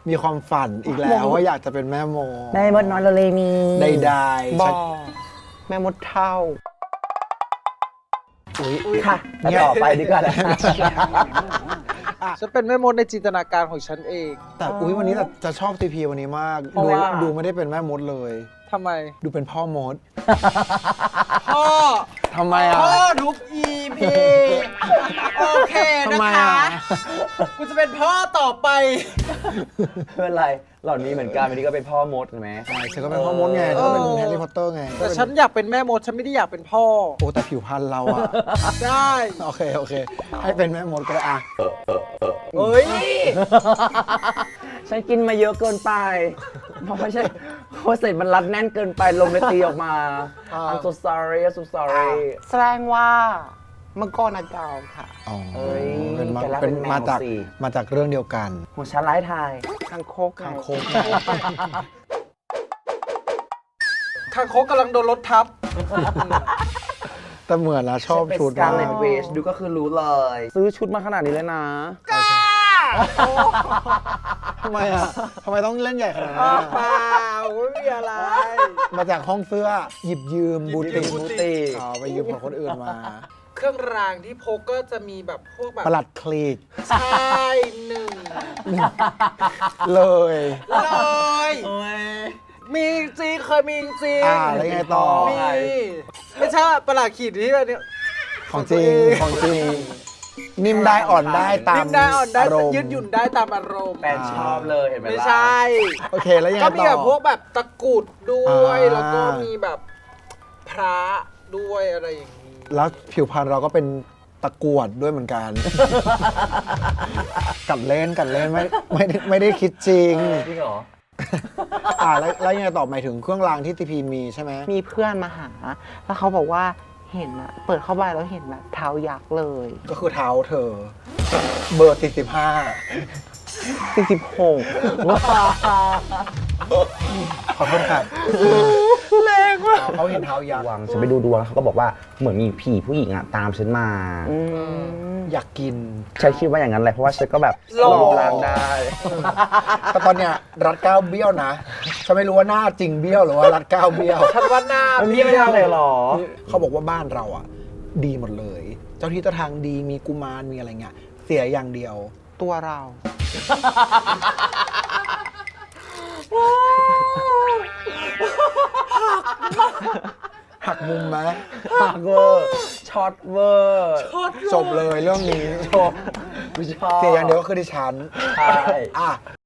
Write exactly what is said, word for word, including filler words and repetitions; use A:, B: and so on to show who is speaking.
A: มีความฝันอีกแล้วว่าอยากจะเป็นแม่โม
B: แม่มดน้อยโลเลมี
A: ใดๆ
C: บ
A: ฉั
C: อน กแม่มดเท่า
A: อุ๊ย
B: ค่ะแล้วต่อไปดีกว่านะ
D: ฉันเป็นแม่มดในจินตนาการของฉันเอง
A: แต่อุ้ยวันนี้จะชอบทีพีวันนี้มาก
D: เพราะ
A: ดู
D: ว่า
A: ดูไม่ได้เป็นแม่มดเลย
D: ทำไม
A: ดูเป็นพ่อมด
D: พ่อ
A: ทำไมอ่ะ
D: พ่อทุก อี พี โอเค
A: ทำ
D: นะ
A: ไม
D: คะ
A: อ่ะ
D: กูจะเป็นพ่อต่อไป
B: ไม่เป็นไรเหล่านี้เหมือนกันวันนี้ก็เป็นพ่อมดใช่ไหม
A: ใช่ฉันก็เป็นพ่อมดไงฉันก็เป็นแฮร์รี่พอตเตอร์ไง
D: แต่ฉันอยากเป็นแม่มด ฉันไม่ได้อยากเป็นพ่อ
A: โอ้แต่ผิวพรรณเราอ่ะ
D: ได้
A: โอเคโอเค ให้เป็นแม่มดก็ได้อ่ะ
D: เฮ้ย
B: ฉันกินมาเยอะเกินไป เพราะไม่ใช่เพราะเสร็จมันรัดแน่นเกินไปลมเลยตีออกมา I'm so sorry I'm so sorry
C: แสดงว่ามังกรอากาศค่ะ
A: อ๋อ
B: เอ้ย
A: เป็นมา
B: แกรัก
A: เป็น
B: เป็นแมว
A: มาจาก
B: สิ
A: มาจากเรื่องเดียวกัน
B: หัวฉันร้ายทาย
C: คางคกไง
A: คางคก
D: คางคกกำลังโดนรถทับ
A: แต่เหมือนนะชอบชุด
B: การ
A: มาก
B: เลนเวชดูก็คือรู้เลย ซื้อชุดมาขนาดนี้เลยนะ
A: ทำไมอ่ะทำไมต้องเล่นใหญ่ขนาดนั้น
D: อ้าว
A: อะ
D: เปล่าไม่มีอะไร
A: มาจากห้องเสื้อหยิบยืมบูติก
D: บูติก
A: อ๋อไปยืมของคนอื่นมา
D: เครื่องรางที่พกก็จะมีแบบพวกแบบ
A: ประหลัดคลีก
D: ใช่หนึ่ง
A: เลย
D: เลยมีจริงเคยมีจริง
A: อ่าแล้วไงต่อ
D: มีไม่ใช่ประหลาดขีดที่แบบเนี้ย
A: ของจริงของจริง นิ่มได้อ่อนได้ตาม
D: นิ่มได้อ่อนได้
A: อารมณ์
D: ยืดหยุ่นได้ตามอารมณ์
B: แฟนชอบเลยเห็นไหม
D: ไม่
B: ล่ะ
D: ใช่
A: โอเคแล้วยังไง
D: ก็
A: ต่อ
D: มีแบบพวกแบบตะกรุดด้วย
A: อ่า
D: แล้วก็มีแบบพระด้วยอะไรอย่างนี้
A: แล้วผิวพรรณเราก็เป็นตะกรวดด้วยเหมือนกัน กัดเล่นกัดเล่นไม่ไม่ได้ไม่ได้คิดจริง
B: จริงเหรอ
A: อ่าแล้วแล้วยังไงต่อหมายถึงเครื่องรางที่ทีพีมีใช่ไหม
C: มีเพื่อนมาหา แล้วเขาบอกว่าเห็นอะเปิดเข้าไปแล้วเห็นแบบเท้ายักษ์เลย
A: ก็คือเท้าเธอ เบอร์สี่สิบห้า
C: สี่สิบหก
A: ขอโทษค่ะ
D: แรงว่ะ
A: เขาเห็นเท้ายักษ์
B: วังฉันไปดูดวงแล้วเขาก็บอกว่าเหมือนมีผีผู้หญิงอะตามฉันมา
C: อืม
A: อยากกิน
B: ฉันคิดว่าอย่างนั้นแหละเพราะว่าฉันก็แบบหลอกลางได้
A: แต่ตอนเนี้ยรัดเก้าวเบี้ยวนะฉันไม่รู้ว่าหน้าจริงเบี้ยวหรือว่ารัดเก้าวเบี้ยว
D: ฉันว่าหน้า
B: มันพี่ไม่ทำเลยเหรอ
A: เขาบอกว่าบ้านเราอ่ะ ดีหมดเลย เจ้าที่เจ้าทางดีมีกุมารมีอะไรเงี้ยเสียอย่างเดียว
C: ตัวเรา
A: หักมุมไหม
B: หักเวอร์ช็อตเวอร์
A: จบเลยเรื่องนี้จบ
B: ไม่ชอบ
A: เสียอย่างเดียวก็คือดิฉัน
B: ใช่
A: อ่ะ